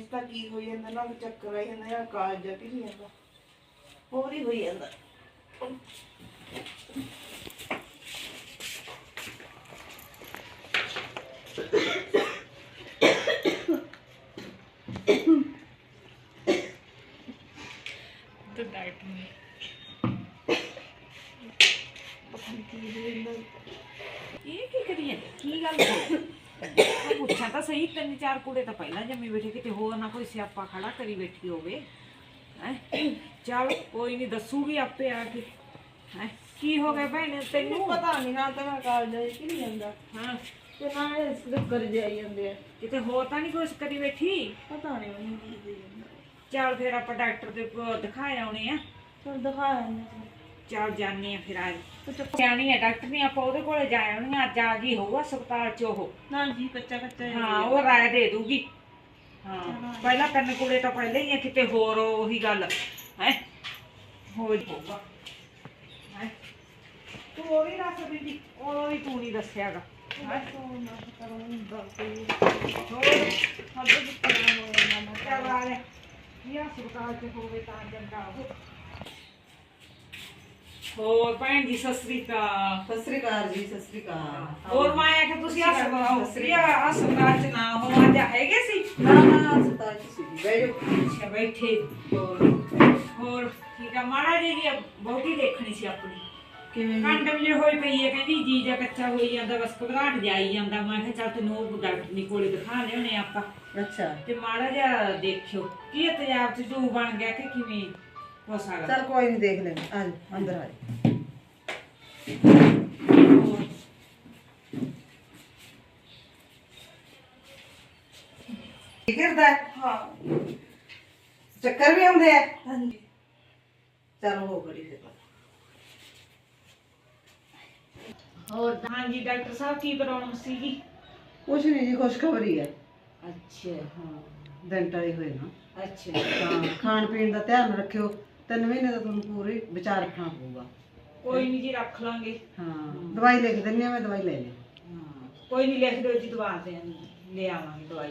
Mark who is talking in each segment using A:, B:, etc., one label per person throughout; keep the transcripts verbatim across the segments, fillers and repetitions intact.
A: ਤਾਂ ਕੀ ਹੋਈ ਜਾਂਦਾ ਨਾ ਚੱਕਰ ਆਈ ਜਾਂਦਾ ਜਾਂ ਕਾਲਜ ਜਾ ਕੇ ਨਹੀਂ ਜਾਂਦਾ ਹੋਰ ਹੀ ਹੋਈ ਜਾਂਦਾ
B: तो डाइट में ये की करिए की गल पुछा तो सही तीन चार कूड़े तो पहला जमी बैठे किते होर ना कोई स्यापा खड़ा करी बैठी होवे हैं चल कोई नहीं दसूगी आपे आके हैं की हो गया भैन तेनू
A: पता नहीं ना तो मैं कालज जा के नहीं ਜਾਂਦਾ
B: हाँ
A: ਤੇ ਨਾ ਇਸ ਦੇ ਕਰ ਜਾਈ ਜਾਂਦੇ ਆ
B: किते होर तो नहीं कुछ करी बैठी
A: ਪਤਾ ਨਹੀਂ ਮੈਨੂੰ ਕੀ ਹੋਈ ਜਾਂਦਾ
B: चल फिर आप डॉक्टर दे दिखाए आने आ
A: ਚਲ ਦਿਖਾ ਆਉਂਦੇ
B: चल जाने आ फिर आज सियानी है डॉक्टर नहीं आप ਉਹਦੇ ਕੋਲੇ ਜਾ ਆਉਣੀ ਅੱਜ ਆ ਗਈ ਹੋਊ ਹਸਪਤਾਲ ਚ ਉਹ
A: ਨਾ ਜੀ ਕੱਚਾ ਕੱਚਾ
B: ਹਾਂ ਉਹ ਰਾਏ ਦੇ ਦੂਗੀ ਹਾਂ ਪਹਿਲਾਂ ਤਿੰਨ ਕੁੜੇ ਤਾਂ ਪਹਿਲੇ ਹੀ ਆ ਕਿਤੇ ਹੋਰ ਉਹੀ ਗੱਲ ਹੈ ਹੋ ਜਾਊਗਾ ਹੈ ਤੂੰ ਉਹ ਵੀ ਦੱਸ ਬੀਬੀ ਉਹ ਵੀ ਤੂੰ ਨਹੀਂ ਦੱਸਿਆਗਾ ਹੈ ਹੋਰ ਹੱਦ ਦਿੱਤਾ ਹੋਇਆ ਨਾ ਚੱਲ ਆ ਲੈ ਇਹ ਹਸਪਤਾਲ ਚ ਹੋਵੇ ਤਾਂ ਚੰਗਾ ਉਹ ਹੋਰ ਭੈਣ ਜੀ ਸਤਿ ਸ੍ਰੀ ਅਕਾਲ
A: ਸਤਿ ਸ੍ਰੀ ਅਕਾਲ ਜੀ ਸਤਿ ਸ੍ਰੀ ਅਕਾਲ
B: ਹੋਰ ਮੈਂ ਆਖਿਆ ਤੁਸੀਂ ਹਸਪਤਾਲ ਹਸਪਤਾਲ ਚ ਨਾ ਹੋ ਅੱਜ ਹੈਗੇ ਸੀ
A: ਨਾ ਨਾ ਹਸਪਤਾਲ ਚ ਸੀ ਬੈਠੋ
B: ਅੱਛਾ ਬੈਠੇ
A: ਹੋਰ
B: ਹੋਰ ਠੀਕ ਆ ਮਾੜਾ ਜੀ ਦੀ ਬਹੁਤੀ ਦੇਖਣੀ ਸੀ ਆਪਣੀ
A: ਕਿਵੇਂ
B: ਕੰਡਮ ਜੇ ਹੋਈ ਪਈ ਹੈ ਕਹਿੰਦੀ ਜੀ ਜਾਂ ਕੱਚਾ ਹੋਈ ਜਾਂਦਾ ਬਸ ਘਬਰਾਹਟ ਜਾਈ ਜਾਂਦਾ ਮੈਂ ਕਿਹਾ ਚੱਲ ਤੈਨੂੰ ਉਹ ਡਾਕਟਰ ਨੀ ਕੋਲੇ ਦਿਖਾ ਲਿਆਉਣੇ ਆਪਾਂ
A: ਅੱਛਾ
B: ਤੇ ਮਾੜਾ ਜਿਹਾ ਦੇਖਿਓ ਕੀ ਤੇਜ਼ਾਬ ਚ ਜੂ ਬਣ ਗਿਆ ਕਿ ਕਿਵੇਂ ਹੋ ਸਕਦਾ
A: ਚਲ ਕੋਈ ਨਹੀਂ ਦੇਖ ਲੈਂਦੇ ਆ ਜਾ ਅੰਦਰ ਆ ਜਾ
B: ਹੋਰ
A: ਕੀ ਕਰਦਾ ਹਾਂ ਚੱਕਰ ਵੀ ਆਉਂਦੇ ਆ ਹਾਂਜੀ ਚਲ ਹੋ ਗੜੀ ਤੇ
B: ਹੋਰ ਹਾਂਜੀ ਡਾਕਟਰ ਸਾਹਿਬ ਕੀ ਪ੍ਰੋਬਲਮ ਸੀਗੀ
A: ਕੁਛ ਨਹੀਂ ਜੀ ਖੁਸ਼ਖਬਰੀ ਹੈ
B: ਅੱਛਾ ਹਾਂ
A: ਦਿਨ ਟਾਈ ਹੋਏ ਨਾ
B: ਅੱਛਾ
A: ਤਾਂ ਖਾਣ ਪੀਣ ਦਾ ਧਿਆਨ ਰੱਖਿਓ ਤਿੰਨ ਮਹੀਨੇ ਦਾ ਤੁਹਾਨੂੰ ਪੂਰੀ ਵਿਚਾਰ ਰੱਖਣਾ ਪਊਗਾ
B: ਕੋਈ ਨਹੀਂ ਜੀ ਰੱਖ ਲਾਂਗੇ
A: ਹਾਂ ਦਵਾਈ ਲਿਖ ਦਿੰਨੀ ਆ ਮੈਂ ਦਵਾਈ ਲੈ ਲਈ
B: ਹਾਂ ਕੋਈ ਨਹੀਂ ਲਿਖ ਦਿਓ ਜੀ ਦਵਾ ਦੇ ਲੈ ਆਵਾਂਗੇ ਦਵਾਈ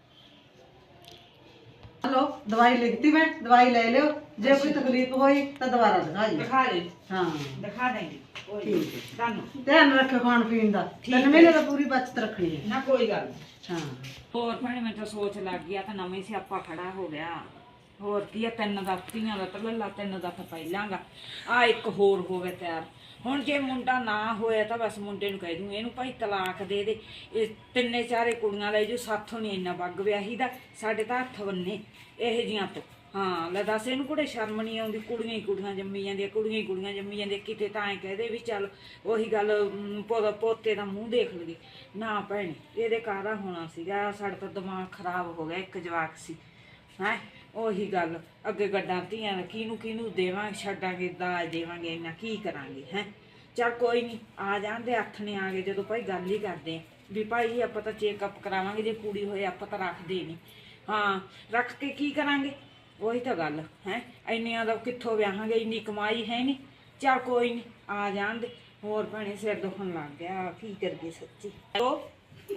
A: ਹਲੋ ਦਵਾਈ ਲਿਖਤੀ ਮੈਂ ਦਵਾਈ ਲੈ ਲਿਓ ਜੇ ਕੋਈ ਤਕਲੀਫ ਹੋਈ ਤਾਂ ਦੁਬਾਰਾ ਦਿਖਾ ਜੀ
B: ਦਿਖਾ ਦੇ
A: ਹਾਂ
B: ਦਿਖਾ ਦੇਂਗੇ ਕੋਈ
A: ਠੀਕ ਹੈ
B: ਤੁਹਾਨੂੰ
A: ਧਿਆਨ ਰੱਖਿਓ ਖਾਣ ਪੀਣ ਦਾ
B: ਠੀਕ
A: ਤਿੰਨ
B: ਹੈ।
A: ਮਹੀਨੇ ਦਾ ਪੂਰੀ ਬਚਤ ਰੱਖਣੀ ਹੈ
B: ਨਾ ਕੋਈ ਗੱਲ ਨੀ।
A: ਹਾਂ
B: ਹੋਰ ਭੈਣੇ ਮੈਂ ਤਾਂ ਸੋਚ ਲੱਗ ਗਿਆ ਤਾਂ ਨਵੇਂ ਸਿਆਪਾ ਖੜਾ ਹੋ ਗਿਆ ਹੋਰ ਕੀ ਆ ਤਿੰਨ ਦਾ ਧੀਆਂ ਦਾ ਤਾਂ ਲੱਲਾ ਤਿੰਨ ਦਾ ਤਾਂ ਪਹਿਲਾਂਗਾ ਆ ਇੱਕ ਹੋਰ ਹੋਵੇ ਤਿਆਰ ਹੁਣ ਜੇ ਮੁੰਡਾ ਨਾ ਹੋਇਆ ਤਾਂ ਬਸ ਮੁੰਡੇ ਨੂੰ ਕਹਿ ਦੂੰ ਇਹਨੂੰ ਭਾਈ ਤਲਾਕ ਦੇ ਦੇ ਇਹ ਤਿੰਨੇ ਚਾਰੇ ਕੁੜੀਆਂ ਲੈ ਜੋ ਸਾਥੋਂ ਨਹੀਂ ਇੰਨਾ ਬੱਗ ਵਿਆਹੀ ਦਾ ਸਾਡੇ ਤਾਂ ਹੱਥ ਬੰਨੇ ਇਹੋ ਜੀਆਂ ਤੋਂ ਹਾਂ ਲੈ ਦੱਸ ਇਹਨੂੰ ਕੁੜੇ ਸ਼ਰਮ ਨਹੀਂ ਆਉਂਦੀ ਕੁੜੀਆਂ ਹੀ ਕੁੜੀਆਂ ਜੰਮੀ ਜਾਂਦੀਆਂ ਕੁੜੀਆਂ ਹੀ ਕੁੜੀਆਂ ਜੰਮੀ ਜਾਂਦੀਆਂ ਕਿਤੇ ਤਾਂ ਐਂ ਕਹਦੇ ਵੀ ਚੱਲ ਉਹੀ ਗੱਲ ਅਮ, ਪੋ- ਪੋਤੇ ਦਾ ਮੂੰਹ ਦੇਖ ਲਈਏ ਨਾ ਭੈਣੇ ਇਹਦੇ ਕਾਹਦਾ ਹੋਣਾ ਸੀਗਾ ਸਾਡਾ ਤਾਂ ਦਿਮਾਗ ਖਰਾਬ ਹੋ ਗਿਆ ਇੱਕ ਜਵਾਕ ਸੀ ਹੈ ਉਹੀ ਗੱਲ ਅੱਗੇ ਗੱਡਾਂ ਧੀਆਂ ਦਾ ਕਿਹਨੂੰ ਕਿਹਨੂੰ ਦੇਵਾਂਗੇ ਛੱਡਾਂਗੇ ਦਾਜ ਦੇਵਾਂਗੇ ਇੰਨਾ ਕੀ ਕਰਾਂਗੇ ਹੈ ਚੱਲ ਕੋਈ ਨਹੀਂ ਆ ਜਾਂਦੇ ਹੱਥ ਨੇ ਆ ਗਏ ਜਦੋਂ ਭਾਈ ਗੱਲ ਹੀ ਕਰਦੇ ਆ ਵੀ ਭਾਈ ਆਪਾਂ ਤਾਂ ਚੈੱਕਅਪ ਕਰਾਵਾਂਗੇ ਜੇ ਕੁੜੀ ਹੋਏ ਆਪਾਂ ਤਾਂ ਰੱਖਦੇ ਨਹੀਂ ਹਾਂ ਰੱਖ ਕੇ ਕੀ ਕਰਾਂਗੇ ਉਹੀ ਤਾਂ ਗੱਲ ਹੈ ਇੰਨੀਆਂ ਦਾ ਕਿੱਥੋਂ ਵਿਆਹਾਂਗੇ ਇੰਨੀ ਕਮਾਈ ਹੈ ਨਹੀਂ ਚੱਲ ਕੋਈ ਨਹੀਂ ਆ ਜਾਣ ਦੇ ਹੋਰ ਭੈਣੇ ਸਿਰ ਦੁਖਣ ਲੱਗ ਗਿਆ ਕੀ ਕਰੀਏ ਸੱਚੀ ਹੈਲੋ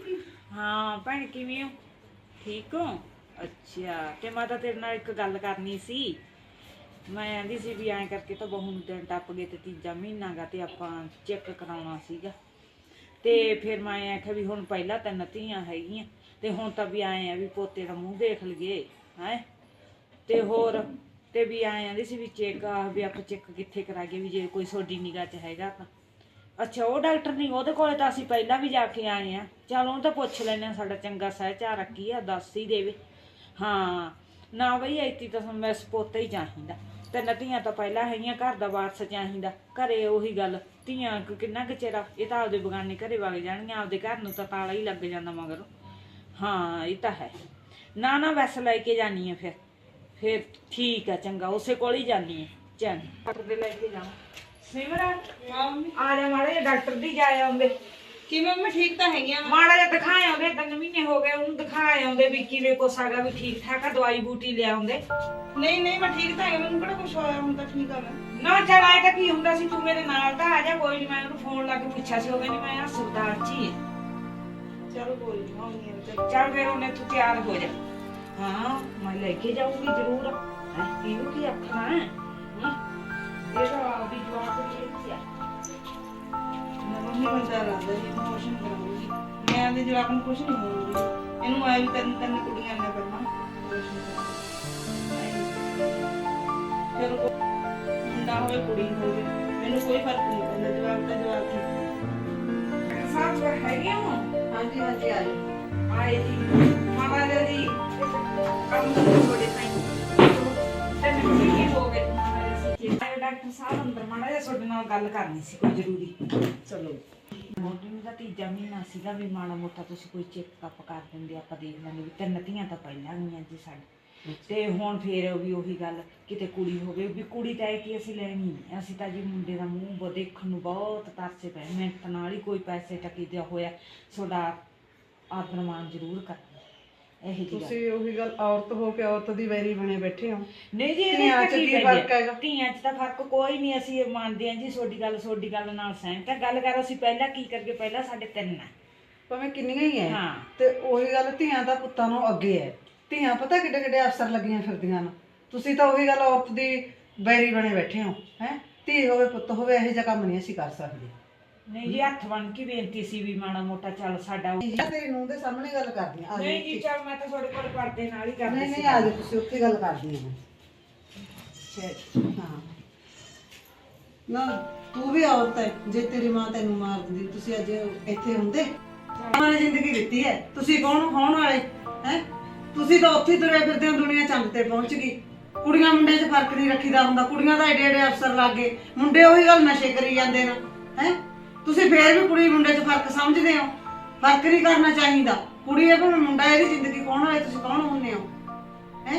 B: ਹਾਂ ਭੈਣ ਕਿਵੇਂ ਹੋ ਠੀਕ ਹੋ ਅੱਛਾ ਤੇ ਮੈਂ ਤਾਂ ਤੇਰੇ ਨਾਲ ਇੱਕ ਗੱਲ ਕਰਨੀ ਸੀ ਮੈਂ ਆਂਦੀ ਸੀ ਵੀ ਐਂ ਕਰਕੇ ਤਾਂ ਬਹੂ ਨੂੰ ਦਿਨ ਟੱਪ ਗਏ ਤੇ ਤੀਜਾ ਮਹੀਨਾ ਗਾ ਤੇ ਆਪਾਂ ਚੈੱਕ ਕਰਾਉਣਾ ਸੀਗਾ ਤੇ ਫਿਰ ਮੈਂ ਆਖਿਆ ਵੀ ਹੁਣ ਪਹਿਲਾਂ ਤਿੰਨ ਧੀਆਂ ਹੈਗੀਆਂ ਤੇ ਹੁਣ ਤਾਂ ਵੀ ਆਏ ਆ ਵੀ ਪੋਤੇ ਦਾ ਮੂੰਹ ਦੇਖ ਲਈਏ ਹੈ ਤੇ ਹੋਰ ਤੇ ਵੀ ਆਏ ਆਂਦੀ ਸੀ ਵੀ ਚੈੱਕ ਵੀ ਆਪਾਂ ਚੈੱਕ ਕਿੱਥੇ ਕਰਾਈਏ ਵੀ ਜੇ ਕੋਈ ਤੁਹਾਡੀ ਨਿਗਾਹ 'ਚ ਹੈਗਾ ਤਾਂ ਅੱਛਾ ਉਹ ਡਾਕਟਰ ਨਹੀਂ ਉਹਦੇ ਕੋਲੇ ਤਾਂ ਅਸੀਂ ਪਹਿਲਾਂ ਵੀ ਜਾ ਕੇ ਆਏ ਆ ਚੱਲ ਉਹਨੂੰ ਤਾਂ ਪੁੱਛ ਲੈਂਦੇ ਹਾਂ ਸਾਡਾ ਚੰਗਾ ਸਹਿਚਾਰ ਰੱਖੀ ਆ ਦੱਸ ਹੀ ਦੇਵੇ ਹਾਂ ਨਾ ਬਈ ਐਤੀ ਤਾਂ ਮੈਂ ਸਪੋਤਾ ਹੀ ਚਾਹੀਦਾ ਤਿੰਨ ਧੀਆਂ ਤਾਂ ਪਹਿਲਾਂ ਹੈਗੀਆਂ ਘਰ ਦਾ ਵਾਰਸ ਚਾਹੀਦਾ ਘਰੇ ਉਹੀ ਗੱਲ ਧੀਆਂ ਕਿੰਨਾ ਕੁ ਚਿਰ ਇਹ ਤਾਂ ਆਪਦੇ ਬਗਾਨੇ ਘਰੇ ਵਗ ਜਾਣਗੀਆਂ ਆਪਦੇ ਘਰ ਨੂੰ ਤਾਂ ਤਾਲਾ ਹੀ ਲੱਗ ਜਾਂਦਾ ਮਗਰ ਹਾਂ ਇਹ ਤਾਂ ਹੈ ਨਾ ਨਾ ਵੈਸੇ ਲੈ ਕੇ ਜਾਨੀ ਆ ਫਿਰ ਫਿਰ ਠੀਕ ਆ ਚੰਗਾ ਉਸੇ ਕੋਲ ਹੀ ਜਾਨੀ ਆ ਚੰਗਾ ਡਾਕਟਰ ਦੇ ਲੈ ਕੇ ਜਾਵਾਂ ਸਿਮਰਨ ਆ ਜਾ ਮਾੜਾ ਜਿਹਾ ਡਾਕਟਰ ਦੀ ਜਾ ਆਉਂਦੇ
A: ਕਿਵੇਂ ਮੈਂ ਠੀਕ ਤਾਂ ਹੈਗੀ ਆ
B: ਮਾੜਾ ਜਿਹਾ ਦਿਖਾਏ ਆਉਂਦੇ ਤਿੰਨ ਮਹੀਨੇ ਹੋ ਗਏ ਉਹਨੂੰ ਦਿਖਾਏ ਆਉਂਦੇ ਵੀ ਕਿਵੇਂ ਕੁਛ ਹੈਗਾ ਵੀ ਠੀਕ ਠਾਕ ਆ ਦਵਾਈ ਬੂਟੀ ਲੈ ਆਉਂਦੇ
A: ਨਹੀਂ ਨਹੀਂ ਮੈਂ ਠੀਕ ਤਾਂ ਹੈਗੀ ਮੈਨੂੰ ਕਿਹੜਾ ਕੁਝ ਹੋਇਆ ਹੁਣ ਤਾਂ ਠੀਕ ਆ ਮੈਂ
B: ਨਾ ਚੱਲ ਆਏ ਤਾਂ ਕੀ ਹੁੰਦਾ ਸੀ ਤੂੰ ਮੇਰੇ ਨਾਲ ਤਾਂ ਆ ਜਾ ਕੋਈ ਨਹੀਂ ਮੈਂ ਉਹਨੂੰ ਫੋਨ ਲਾ ਕੇ ਪੁੱਛਿਆ ਸੀ ਉਹ ਕਹਿੰਦੀ ਮੈਂ ਹਸਪਤਾਲ 'ਚ ਹੀ ਆ
A: ਚਲੋ ਕੋਈ ਨਹੀਂ ਆਉਂਦੀ ਆ
B: ਚੱਲ ਫਿਰ ਉਹਨੇ ਤੂੰ ਤਿਆਰ ਹੋ ਜਾ ਹਾਂ ਮੈਂ ਲੈ ਕੇ ਜਾਊਂਗੀ ਜ਼ਰੂਰ ਹੈ। ਇਹਨੂੰ ਕੀ ਆਖਣਾ ਹੈ ਹਮ? ਇਹ ਤਾਂ ਆਪਦੀ ਜਵਾਬ ਦੇ ਦਿੱਤੀ ਆ।
A: ਮੰਮੀ ਨੂੰ ਡਰ ਲੱਗਦਾ ਜੀ ਇਮੋਸ਼ਨ ਕਰਾਉਂਗੀ ਮੈਂ ਦੇ ਜਵਾਬ ਨੂੰ ਕੁਝ ਨਹੀਂ ਬੋਲੂੰਗੀ ਇਹਨੂੰ ਆਏ ਵੀ ਤਿੰਨ ਤਿੰਨ ਕੁੜੀਆਂ ਨੇ ਪਹਿਲਾਂ ਚਲੋ ਮੁੰਡਾ ਹੋਵੇ ਕੁੜੀ ਹੋਵੇ ਮੈਨੂੰ ਕੋਈ ਫਰਕ ਨਹੀਂ ਪੈਂਦਾ ਜਵਾਬ ਤਾਂ ਜਵਾਬ ਹੀ
B: ਸਾਹਿਬ ਹੈਗੇ ਹੋ
A: ਹਾਂਜੀ ਹਾਂਜੀ ਆ ਜਾਓ
B: ਆਏ ਜੀ ਮਹਾਰਾਜਾ ਜੀ ਕੰਮ ਥੋੜੇ ਟਾਈਮ ਤੇ ਨਹੀਂ ਹੋ ਗਏ ਮਹਾਰਾਜਾ ਜੀ ਆਏ ਡਾਕਟਰ ਸਾਹਿਬ ਅੰਦਰ ਮਹਾਰਾਜਾ ਤੁਹਾਡੇ ਨਾਲ ਗੱਲ ਕਰਨੀ ਸੀ ਕੋਈ ਜ਼ਰੂਰੀ ਚਲੋ ਮੋਢੀ ਨੂੰ ਤਾਂ ਤੀਜਾ ਮਹੀਨਾ ਸੀਗਾ ਵੀ ਮਾੜਾ ਮੋਟਾ ਤੁਸੀਂ ਕੋਈ ਚੈੱਕਅਪ ਕਰ ਦਿੰਦੇ ਆਪਾਂ ਦੇਖ ਲੈਂਦੇ ਵੀ ਤਿੰਨ ਧੀਆਂ ਤਾਂ ਪਹਿਲਾਂ ਗਈਆਂ ਜੀ ਸਾਡੇ ਤੇ ਹੁਣ ਫੇਰ ਵੀ ਉਹੀ ਗੱਲ ਕਿਤੇ ਕੁੜੀ ਹੋਵੇ ਵੀ ਕੁੜੀ ਤਾਂ ਇਹ ਕਿ ਅਸੀਂ ਲੈਣੀ ਨਹੀਂ ਅਸੀਂ ਤਾਂ ਜੀ ਮੁੰਡੇ ਦਾ ਮੂੰਹ ਬ ਦੇਖਣ ਨੂੰ ਬਹੁਤ ਤਰਸੇ ਪਏ ਮਿਹਨਤ ਨਾਲ ਹੀ ਕੋਈ ਪੈਸੇ ਟਕੀ ਦਾ ਹੋਇਆ ਤੁਹਾਡਾ ਆਦਰ ਮਾਣ ਜ਼ਰੂਰ ਕਰਨਾ ਇਹ ਜੀ
A: ਤੁਸੀਂ ਉਹੀ ਗੱਲ ਔਰਤ ਹੋ ਕੇ ਔਰਤ ਦੀ ਵੈਰੀ ਬਣੇ ਬੈਠੇ ਹੋ
B: ਨਹੀਂ ਜੀ ਇਹਦੇ
A: ਧੀਆਂ
B: ਚ
A: ਚ
B: ਕੀ
A: ਕੀ ਫਰਕ ਹੈਗਾ?
B: ਧੀਆਂ ਚ ਤਾਂ ਫਰਕ ਕੋਈ ਨਹੀਂ ਅਸੀਂ ਇਹ ਮੰਨਦੇ ਹਾਂ ਜੀ ਤੁਹਾਡੀ ਗੱਲ ਤੁਹਾਡੀ ਗੱਲ ਨਾਲ ਸਹਿਮਤ ਹਾਂ ਗੱਲ ਕਰ ਅਸੀਂ ਪਹਿਲਾਂ ਕੀ ਕਰਕੇ ਪਹਿਲਾਂ ਸਾਡੇ ਤਿੰਨ ਆ
A: ਭਾਵੇਂ ਕਿੰਨੀਆਂ ਹੀ ਐ
B: ਹਾਂ
A: ਤੇ ਉਹੀ ਗੱਲ ਧੀਆਂ ਤਾਂ ਪੁੱਤਾਂ ਨੂੰ ਅੱਗੇ ਐ ਧੀਆਂ ਪਤਾ ਕਿੱਡੇ ਕਿੱਡੇ ਅਫਸਰ ਲੱਗੀਆਂ ਫਿਰਦੀਆਂ ਨੇ ਤੁਸੀਂ ਤਾਂ ਉਹੀ ਗੱਲ ਔਰਤ ਦੀ ਵੈਰੀ ਬਣੇ ਬੈਠੇ ਹੋ ਹੈ ਧੀ ਹੋਵੇ ਪੁੱਤ ਹੋਵੇ ਇਹੋ ਜਿਹਾ ਕੰਮ ਨਹੀਂ ਅਸੀਂ ਕਰ ਸਕਦੇ
B: ਨਹੀਂ ਜੀ ਹੱਥ ਬਣ ਕੇ ਬੇਨਤੀ ਸੀ ਵੀ ਮਾੜਾ ਮੋਟਾ ਚੱਲ ਸਾਡਾ
A: ਤੇਰੀ ਨੂੰਹ ਦੇ ਸਾਹਮਣੇ ਗੱਲ ਕਰਦੀ ਆ
B: ਨਹੀਂ ਜੀ ਚੱਲ ਮੈਂ ਤਾਂ ਤੁਹਾਡੇ ਕੋਲ ਪਰਦੇ ਨਾਲ ਹੀ ਕਰਦੀ
A: ਨਹੀਂ
B: ਸੀ
A: ਨਹੀਂ ਆ ਜਾ ਤੁਸੀਂ ਉੱਥੇ ਗੱਲ ਕਰਦੀ ਆ
B: ਅੱਛਾ
A: ਹਾਂ ਨਾ ਤੂੰ ਵੀ ਔਰਤ ਹੈ ਜੇ ਤੇਰੀ ਮਾਂ ਤੈਨੂੰ ਮਾਰ ਦਿੰਦੀ ਤੁਸੀਂ ਅੱਜ ਇੱਥੇ ਹੁੰਦੇ ਮਾਂ ਨੇ ਜ਼ਿੰਦਗੀ ਦਿੱਤੀ ਹੈ ਤੁਸੀਂ ਕੌਣ ਹੋਣ ਵਾਲੇ ਹੈ ਤੁਸੀਂ ਤਾਂ ਉੱਥੇ ਤੁਰੇ ਫਿਰਦੇ ਹੋ ਦੁਨੀਆ ਚੰਦ ਤੇ ਪਹੁੰਚ ਗਈ ਕੁੜੀਆਂ ਮੁੰਡੇ 'ਚ ਫਰਕ ਨਹੀਂ ਰੱਖੀਦਾ ਹੁੰਦਾ ਕੁੜੀਆਂ ਤਾਂ ਏਡੇ ਏਡੇ ਅਫਸਰ ਲੱਗ ਗਏ ਮੁੰਡੇ ਉਹੀ ਗੱਲ ਨਸ਼ੇ ਕਰੀ ਜਾਂਦੇ ਨੇ ਹੈ ਤੁਸੀਂ ਫੇਰ ਵੀ ਕੁੜੀ ਮੁੰਡੇ 'ਚ ਫਰਕ ਸਮਝਦੇ ਹੋ ਫਰਕ ਨਹੀਂ ਕਰਨਾ ਚਾਹੀਦਾ ਕੁੜੀ ਹੈ ਭਾਵੇਂ ਮੁੰਡਾ ਇਹਦੀ ਜ਼ਿੰਦਗੀ ਕੌਣ ਵਾਲੇ ਤੁਸੀਂ ਕੌਣ ਹੁੰਦੇ ਹੋ ਹੈ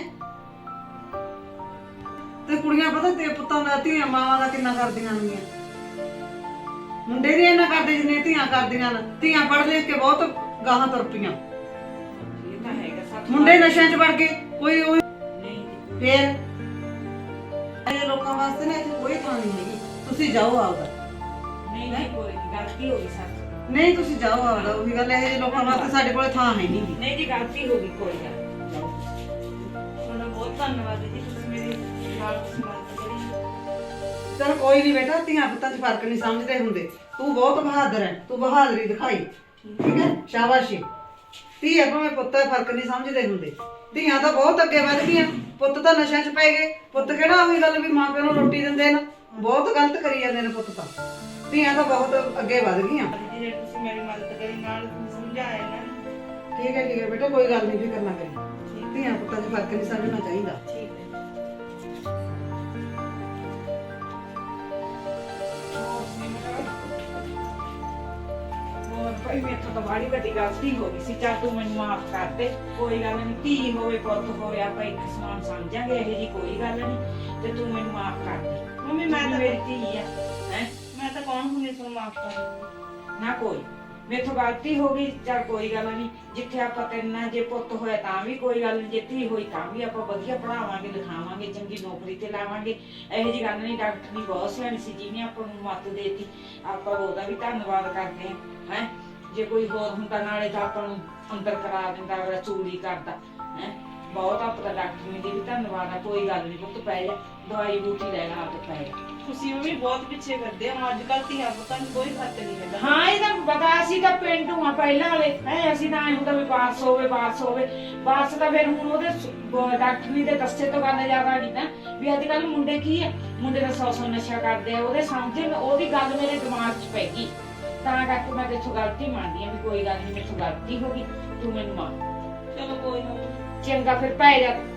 A: ਤੇ ਕੁੜੀਆਂ ਪਤਾ ਤੇ ਪੁੱਤਾਂ ਦਾ ਧੀਆਂ ਮਾਵਾਂ ਦਾ ਕਿੰਨਾ ਕਰਦੀਆਂ ਨੇ ਮੁੰਡੇ ਵੀ ਇੰਨਾ ਕਰਦੇ ਜਿੰਨੇ ਧੀਆਂ ਕਰਦੀਆਂ ਨੇ ਧੀਆਂ ਪੜ੍ਹ ਲਿਖ ਕੇ ਬਹੁਤ ਗਾਹਾਂ ਤੁਰ ਪਈਆਂ
B: ਇਹ ਤਾਂ ਹੈਗਾ ਸੱਚ
A: ਮੁੰਡੇ ਨਸ਼ਿਆਂ 'ਚ ਵੜ ਗਏ ਕੋਈ ਉਹ
B: ਨਹੀਂ ਜੀ
A: ਫੇਰ ਇਹ ਲੋਕਾਂ ਵਾਸਤੇ ਨਾ ਇੱਥੇ ਕੋਈ ਥਾਂ ਨਹੀਂ ਹੈਗੀ ਤੁਸੀਂ ਜਾਓ ਆਪਦਾ
B: ਨਹੀਂ ਨਹੀਂ ਕੋਈ ਨੀ, ਗਲਤੀ ਹੋ ਗਈ ਸੱਚ
A: ਨਹੀਂ ਤੁਸੀਂ ਜਾਓ ਆਪਦਾ ਉਹੀ ਗੱਲ ਇਹ ਜਿਹੇ ਲੋਕਾਂ ਵਾਸਤੇ ਸਾਡੇ ਕੋਲੇ ਥਾਂ ਹੈ ਨਹੀਂ ਗੀ
B: ਨਹੀਂ ਜੀ ਗਲਤੀ ਹੋ ਗਈ ਕੋਈ ਗੱਲ ਜਾਓ ਤੁਹਾਡਾ ਬਹੁਤ ਧੰਨਵਾਦ ਜੀ ਤੁਸੀਂ ਮੇਰੀ ਨਾਲ ਮਦਦ ਕਰੀ
A: ਚਲ ਕੋਈ ਨਹੀਂ ਬੇਟਾ ਧੀਆਂ ਪੁੱਤਾਂ 'ਚ ਫਰਕ ਨਹੀਂ ਸਮਝਦੇ ਹੁੰਦੇ ਤੂੰ ਬਹੁਤ ਬਹਾਦਰ ਹੈ ਤੂੰ ਬਹਾਦਰੀ ਦਿਖਾਈ ਠੀਕ ਹੈ ਸ਼ਾਬਾਸ਼ੀ ਧੀ ਹੈ ਭਾਵੇਂ ਪੁੱਤ ਹੈ ਫਰਕ ਨਹੀਂ ਸਮਝਦੇ ਹੁੰਦੇ ਧੀਆਂ ਤਾਂ ਬਹੁਤ ਅੱਗੇ ਵੱਧ ਗਈਆਂ ਪੁੱਤ ਤਾਂ ਨਸ਼ਿਆਂ 'ਚ ਪੈ ਗਏ ਪੁੱਤ ਕਿਹੜਾ ਉਹੀ ਗੱਲ ਵੀ ਮਾਂ ਪਿਓ ਨੂੰ ਰੋਟੀ ਦਿੰਦੇ ਨੇ ਬਹੁਤ ਗਲਤ ਕਰੀ ਜਾਂਦੇ ਨੇ ਪੁੱਤ ਤਾਂ ਧੀਆਂ ਤਾਂ ਬਹੁਤ ਅੱਗੇ ਵੱਧ ਗਈਆਂ
B: ਜੇ ਤੁਸੀਂ ਮੇਰੀ ਮਦਦ ਕਰੀ ਨਾਲ ਸਮਝਾਇਆ ਨਾ
A: ਠੀਕ ਹੈ ਠੀਕ ਹੈ ਬੇਟਾ ਕੋਈ ਗੱਲ ਨਹੀਂ ਫਿਕਰ ਨਾ ਕਰੀ ਧੀਆਂ ਪੁੱਤਾਂ 'ਚ ਫਰਕ ਨਹੀਂ ਸਮਝਣਾ ਚਾਹੀਦਾ
B: ਠੀਕ ਹੈ ਹੋਰ ਭਾਈ ਮੇਥੋਂ ਤਾਂ ਬੜੀ ਵੱਡੀ ਗਲਤੀ ਹੋ ਗਈ ਸੀ ਚੱਲ ਤੂੰ ਮੈਨੂੰ ਮਾਫ ਕਰ ਦੇ ਕੋਈ ਗੱਲ ਨਹੀਂ ਧੀ ਹੋਵੇ ਪੁੱਤ ਹੋਵੇ ਆਪਾਂ ਇੱਕ ਸਮਾਨ ਸਮਝਾਂਗੇ ਇਹੋ ਜੀ ਕੋਈ ਗੱਲ ਨਹੀਂ ਤੇ ਤੂੰ ਮੈਨੂੰ ਮਾਫ ਕਰ ਦੇ ਮੰਮੀ ਮੈਂ ਤਾਂ ਮੇਰੀ ਧੀ ਆ ਹੈ ਮੈਂ ਤਾਂ ਕੌਣ ਹੁੰਦੀ ਤੁਹਾਨੂੰ ਮਾਫ ਕਰ ਨਾ ਕੋਈ ਮੇਥੋਂ ਗਲਤੀ ਹੋ ਗਈ ਚੱਲ ਕੋਈ ਗੱਲ ਨਹੀਂ ਜਿੱਥੇ ਆਪਾਂ ਤੈਨਾਂ ਜੇ ਪੁੱਤ ਹੋਇਆ ਤਾਂ ਵੀ ਕੋਈ ਗੱਲ ਨਹੀਂ ਜੇ ਧੀ ਹੋਈ ਤਾਂ ਵੀ ਆਪਾਂ ਵਧੀਆ ਪੜਾਵਾਂਗੇ ਲਿਖਾਵਾਂਗੇ ਚੰਗੀ ਨੌਕਰੀ ਤੇ ਲਾਵਾਂਗੇ ਇਹੋ ਜੀ ਗੱਲ ਨਹੀਂ ਡਾਕਟਰ ਨਹੀਂ ਬਹੁਤ ਸਿਆਣੀ ਸੀ ਜਿਹਨੇ ਆਪਾਂ ਨੂੰ ਮੱਤ ਦੇਤੀ ਆਪਾਂ ਉਹਦਾ ਵੀ ਧੰਨਵਾਦ ਕਰਦੇ ਹਾਂ ਹੈ ਜੇ ਕੋਈ ਹੋਰ ਹੁੰਦਾ ਨਾਲੇ ਤਾਂ ਆਪਾਂ ਨੂੰ ਅੰਦਰ ਕਰਾ ਦਿੰਦਾ ਅਗਲਾ ਚੂਲੀ ਕਰਦਾ ਹੈ ਬਹੁਤ ਆਪਾਂ ਡਾਕਟਰ ਨੇ ਵੀ ਧੰਨਵਾਦ ਆ ਕੋਈ ਗੱਲ ਨਹੀਂ ਪੁੱਤ ਪੈ ਜਾ ਦਵਾਈ ਬੂਟੀ ਲੈ ਲਾ ਤੇ ਪੈ ਜਾ
C: ਤੁਸੀਂ ਵੀ ਬਹੁਤ ਪਿੱਛੇ ਕਰਦੇ ਹੋ ਅੱਜ ਕੱਲ ਧੀਆਂ ਪੁੱਤਾਂ ਨੂੰ ਕੋਈ ਫਰਕ ਨਹੀਂ ਹੈਗਾ
B: ਹਾਂ ਇਹਦਾ ਪਤਾ ਅਸੀਂ ਤਾਂ ਪਿੰਡੂ ਆ ਪਹਿਲਾਂ ਵਾਲੇ ਹੈ ਅਸੀਂ ਤਾਂ ਐਂ ਹੁੰਦਾ ਵੀ ਬਾਰਸ ਹੋਵੇ ਬਾਰਸ ਹੋਵੇ ਬਾਰਸ ਤਾਂ ਫਿਰ ਹੁਣ ਉਹਦੇ ਸ- ਡਾਕਟਰੀ ਦੇ ਦੱਸੇ ਤੋਂ ਗੱਲ ਜ਼ਿਆਦਾ ਨਹੀਂ ਨਾ ਵੀ ਅੱਜ ਕੱਲ ਮੁੰਡੇ ਕੀ ਆ ਮੁੰਡੇ ਦਾ ਸੌ ਸੌ ਨਸ਼ਾ ਕਰਦੇ ਆ ਉਹਦੇ ਸਮਝੇ ਉਹਦੀ ਗੱਲ ਮੇਰੇ ਦਿਮਾਗ 'ਚ ਪੈ ਗਈ ਤਾਂ ਕਰਕੇ ਮੈਂ ਤੇਥੋਂ ਗਲਤੀ ਮੰਨਦੀ ਆ ਵੀ ਕੋਈ ਗੱਲ ਨਹੀਂ ਮੇਥੋਂ ਗਲਤੀ ਹੋ ਗਈ ਤੂੰ ਮੈਨੂੰ ਮਾਫ
C: ਚਲੋ ਕੋਈ ਨਾ
B: ਚੰਗਾ ਫਿਰ ਪੈ ਜਾ